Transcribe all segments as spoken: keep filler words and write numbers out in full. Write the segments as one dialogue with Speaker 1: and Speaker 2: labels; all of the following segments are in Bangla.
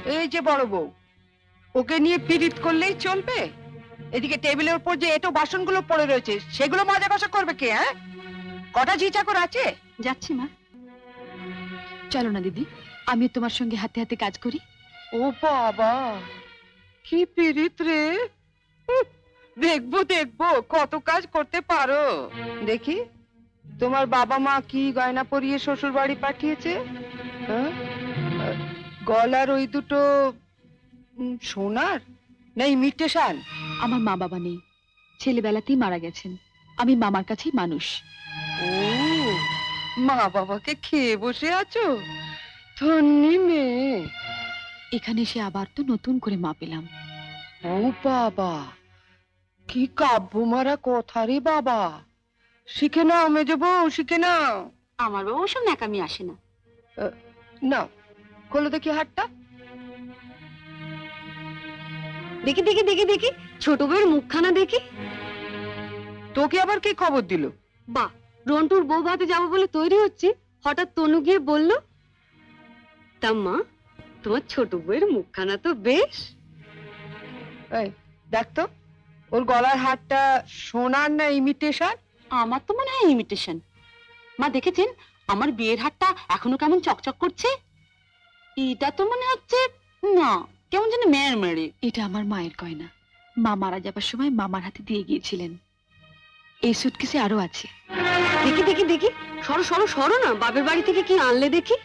Speaker 1: এই যে বড় বউ, ওকে নিয়ে পীড়িত করলেই চলবে? এদিকে টেবিলের উপর যে এটো বাসনগুলো পড়ে রয়েছে সেগুলো মাজা কষা করবে কে? হ্যাঁ, কটা ঝি চাকর আছে?
Speaker 2: যাচ্ছি মা। চলো না দিদি, আমি তোমার সঙ্গে হাতে হাতে কাজ করি।
Speaker 1: ও বাবা, কি পীড়িত রে! উহ, দেখবো দেখবো কত কাজ করতে পারো। দেখি তোমার বাবা মা কি গয়না পরিয়ে শ্বশুর বাড়ি পাঠিয়েছে। হ্যাঁ? আহ, গলার ওই দুটো উম, সোনার না ইমিটেশন?
Speaker 2: আমার মা বাবা নেই, ছেলেবেলাতেই মারা গেছেন। আমি মামার কাছেই মানুষ।
Speaker 1: ও, মা বাবাকে খেয়ে বসে আছো? ধন্যি মেয়ে।
Speaker 2: এখানে এসে আবার তো নতুন করে মা পেলাম।
Speaker 1: ও বাবা, কি কাব্য মারা কথা রে বাবা! শিখে নাও মেজো বউ, শিখে নাও।
Speaker 2: আমার বাবা ওসব ন্যাকামি আসে না।
Speaker 1: নাও, খোলো দেখি হাতটা।
Speaker 2: দেখি দেখি দেখি দেখি ছোট বউয়ের মুখখানা দেখি।
Speaker 1: তোকে আবার কে খবর দিল?
Speaker 2: বাহ, রন্টুর বউ ভাতে যাবো বলে তৈরি হচ্ছে, হঠাৎ তনু গিয়ে বলল, তা মা তোমার ছোট বউয়ের মুখখানা তো বেশ।
Speaker 1: এই দেখ তো, ওর গলার হারটা সোনার না ইমিটেশন?
Speaker 2: আমার তো মনে হয় ইমিটেশন। মা দেখেছেন আমার বিয়ের হারটা এখনো কেমন চকচক করছে? এটা তো মনে হচ্ছে না, কেমন যেন মেয়ের মেরে। এটা আমার মায়ের গয়না, মা মারা যাবার সময় মামার হাতে দিয়ে গিয়েছিলেন। এই সুটকেসে আরো আছে। দেখি দেখি দেখি, সরো সরো সরো না, বাপের বাড়ি থেকে কি আনলে দেখি।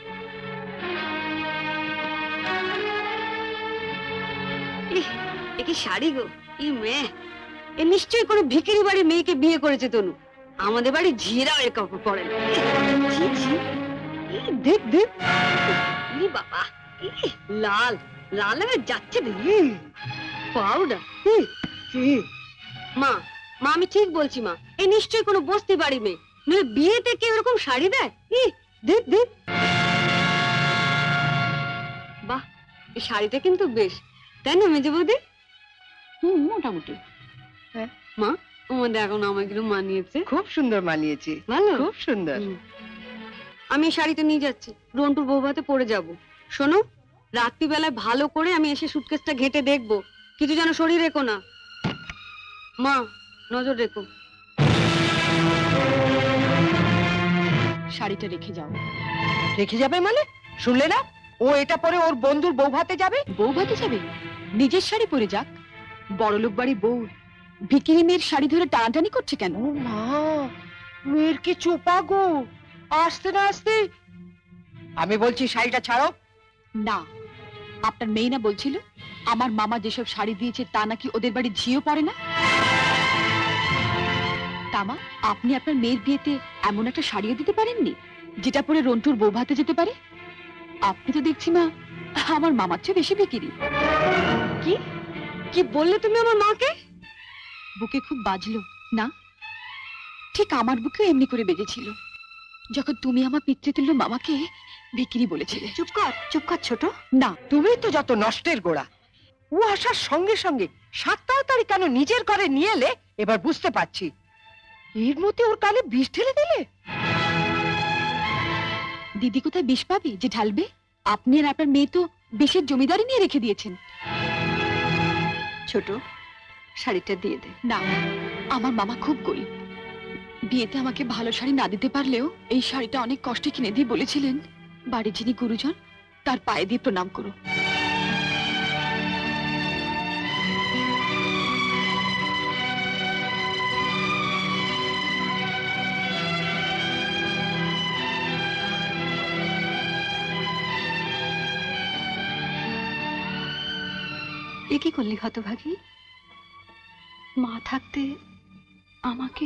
Speaker 2: ইহ, এ কি শাড়ি গো! ই মেয়ে, এ নিশ্চয়ই কোনো ভিখারি বাড়ির মেয়েকে বিয়ে করেছে তনু। আমাদের বাড়ি ঝিরাও এর কাপড় পরে না। ছি, ছি। ই, দেখ দেখ, ই বাবা, ই, লাল লাল হয়ে যাচ্ছে দেখি। পাউডার। মা মা আমি ঠিক বলছি মা, এ নিশ্চয়ই কোনো বস্তি বাড়ি মেয়ে, নইলে বিয়েতে কেউ এরকম শাড়ি দেয়? ই দেখ দেখ। বাহ, এই শাড়িটা কিন্তু বেশ, তাই না মেজে বৌদি? হুম, মোটামুটি।
Speaker 1: হ্যাঁ।
Speaker 2: মা তোমার দেখো না আমাকে একটু মানিয়েছে।
Speaker 1: খুব সুন্দর মানিয়েছে,
Speaker 2: ভালো,
Speaker 1: খুব সুন্দর।
Speaker 2: হুম। আমি এই শাড়িটা নিয়ে যাচ্ছি, রন্টুর বউ ভাতে পরে যাব। শোনো, রাত্রিবেলায় ভালো করে আমি এসে সুটকেসটা ঘেটে দেখবো, কিছু যেন শরীর রেখো না। মা নজর রেখো। শাড়িটা রেখে যাও।
Speaker 1: রেখে যাবে মানে? শুনলে না, ও এটা পরে ওর বন্ধুর বউ ভাতে যাবে।
Speaker 2: বউ ভাতে যাবে? নিজের শাড়ি পরে যাক। বড়লোক বাড়ি বউ ভিকিরি মেয়ের শাড়ি ধরে টানাটানি করছে কেন?
Speaker 1: ও মা, মেয়ের কি চোপা গো! আসতে না আসতে। আমি বলছি শাড়িটা ছাড়ো।
Speaker 2: না, আপনার মেয়ে না বলছিল আমার মামা যেসব শাড়ি দিয়েছে তা নাকি ওদের বাড়ি ঝিও পড়ে না? তামা, আপনি আপনার মেয়ের বিয়েতে এমন একটা শাড়িও দিতে পারেননি যেটা পরে রন্টুর বউ ভাতে যেতে পারে? আপনি তো দেখছি মা আমার মামার চেয়ে বেশি বিকিরি। কি কি বললে তুমি আমার মাকে? বুকে খুব বাজলো না? ঠিক আমার বুকেও এমনি করে বেজেছিল যখন তুমি আমার পিতৃতুল্য মামাকে বিক্রি বলেছিলে। চুপ কর, চুপ কর ছোট। না,
Speaker 1: তুমি তো যত নষ্টের গোড়া। ও আসার সঙ্গে সঙ্গে সাত তাড়াতাড়ি কেন নিজের ঘরে নিয়ে এলে এবার বুঝতে পারছি। এর মধ্যে ওর কানে বিষ ঢেলে দিলে।
Speaker 2: দিদি কোথায় বিষ পাবে যে ঢালবে? আপনি আর আপনার মেয়ে তো বিষের জমিদারি নিয়ে রেখে দিয়েছেন। ছোট, শাড়িটা দিয়ে দে। না, আমার মামা খুব গরিব, বিয়েতে আমাকে ভালো শাড়ি না দিতে পারলেও এই শাড়িটা অনেক কষ্টে কিনে দিয়ে বলেছিলেন বাড়ির যিনি গুরুজন তার পায়ে দিয়ে প্রণাম করো। এ কি করলি হতভাগী? মা থাকতে আমাকে।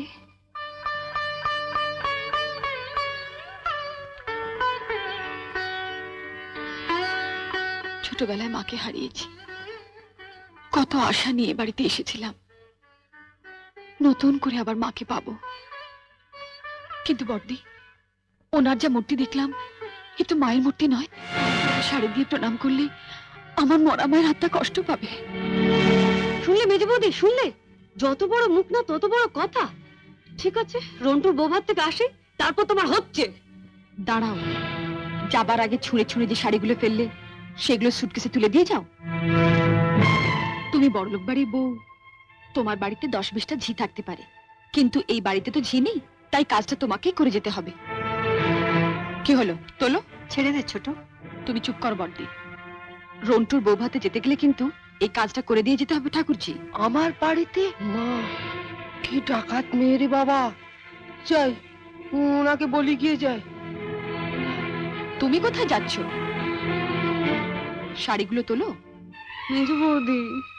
Speaker 2: ছোটবেলায় মাকে হারিয়েছি, কত আশা নিয়ে বাড়িতে এসেছিলাম, নতুন করে আবার মাকে পাবো। কিন্তু বড়দি, ওনার যা মূর্তি দেখলাম এ তো মায়ের মূর্তি নয়। শাড়ি দিয়ে প্রণাম করলে আমার মরা মায়ের হাতটা কষ্ট পাবে। শুনলে মেজে বৌদি, শুনলে? যত বড় মুখ না তত বড় কথা। ঠিক আছে, রন্টুর বউ ভাত থেকে আসে, তারপর তোমার হচ্ছে। দাঁড়াও, যাবার আগে ছুঁড়ে ছুঁড়ে যে শাড়িগুলো ফেললে সেগুলো সুটকেসে তুলে দিয়ে যাও। তুমি বড়লোক বাড়ির বউ, তোমার বাড়িতে দশ বিশটা ঝি থাকতে পারে, কিন্তু এই বাড়িতে তো ঝি নেই, তাই কাজটা তোমাকেই করে যেতে হবে। কি হলো, তোলো। ছেড়ে দে ছোট। তুমি চুপ কর বড়দি। রন্টুর বউ ভাতে যেতে গেলে কিন্তু এই কাজটা করে দিয়ে যেতে হবে ঠাকুরজি।
Speaker 1: আমার বাড়িতে? মা, কি ডাকাত মেয়ে রে বাবা। যাই, ওনাকে বলি গিয়ে যায়।
Speaker 2: তুমি কোথায় যাচ্ছ? শাড়িগুলো তোলো।
Speaker 1: মেজো বৌদি,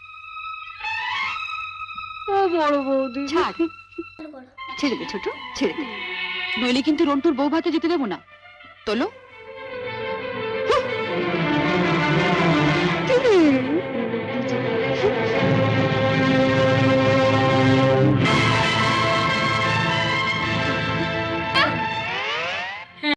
Speaker 1: ও বড় বৌদি,
Speaker 2: ছাড়। ছেড়ে দে ছোট, ছেড়ে দে, নইলে কিন্তু রন্টুর বউ ভাতে যেতে দেবো না। তোলো।